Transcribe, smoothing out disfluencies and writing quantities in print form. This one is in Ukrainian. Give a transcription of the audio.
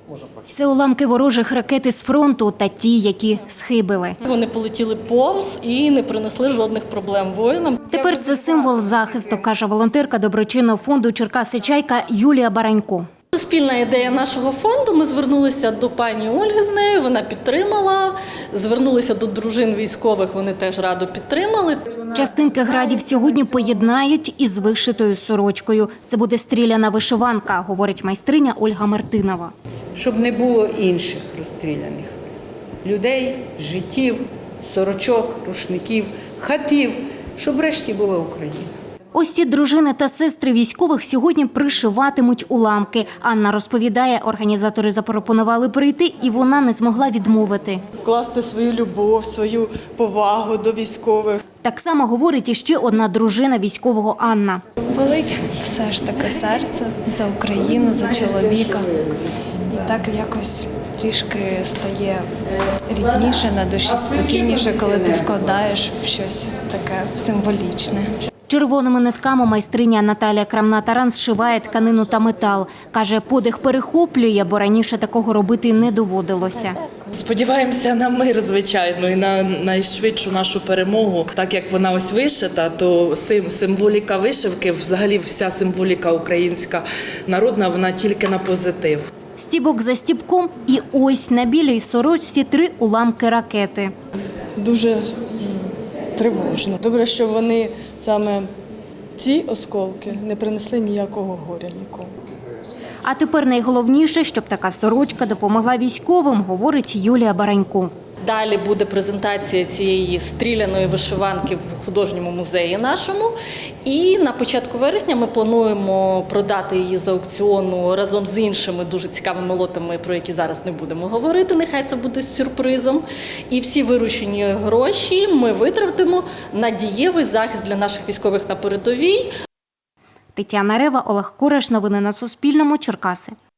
Це уламки ворожих ракет із фронту та ті, які схибили. Вони полетіли повз і не принесли жодних проблем воїнам. Тепер це символ захисту, каже волонтерка доброчинного фонду «Черкаси Чайка» Юлія Баранько. Це спільна ідея нашого фонду. Ми звернулися до пані Ольги з нею, вона підтримала. Звернулися до дружин військових, вони теж радо підтримали. Частинки градів сьогодні поєднають із вишитою сорочкою. Це буде стріляна вишиванка, говорить майстриня Ольга Мартинова. Щоб не було інших розстріляних людей, життів, сорочок, рушників, хатів, щоб врешті була Україна. Ось ці дружини та сестри військових сьогодні пришиватимуть уламки. Анна розповідає, організатори запропонували прийти, і вона не змогла відмовити. Вкласти свою любов, свою повагу до військових. Так само говорить іще одна дружина військового Анна. Болить все ж таки серце за Україну, за чоловіка. І так якось трішки стає рідніше на душі, спокійніше, коли ти вкладаєш в щось таке символічне. Червоними нитками майстриня Наталія Крамна-Таран зшиває тканину та метал. Каже, подих перехоплює, бо раніше такого робити не доводилося. Сподіваємося на мир, звичайно, і на найшвидшу нашу перемогу. Так як вона ось вишита, то символіка вишивки, взагалі вся символіка українська народна, вона тільки на позитив. Стібок за стібком і ось на білій сорочці 3 уламки ракети. Дуже тривожно. Добре, що вони саме ці осколки не принесли ніякого горя нікому. А тепер найголовніше, щоб така сорочка допомогла військовим, говорить Юлія Баранько. Далі буде презентація цієї стріляної вишиванки в художньому музеї нашому. І на початку вересня ми плануємо продати її з аукціону разом з іншими дуже цікавими лотами, про які зараз не будемо говорити. Нехай це буде сюрпризом. І всі виручені гроші ми витратимо на дієвий захист для наших військових на передовій. Тетяна Рева, Олег Кураш. Новини на Суспільному. Черкаси.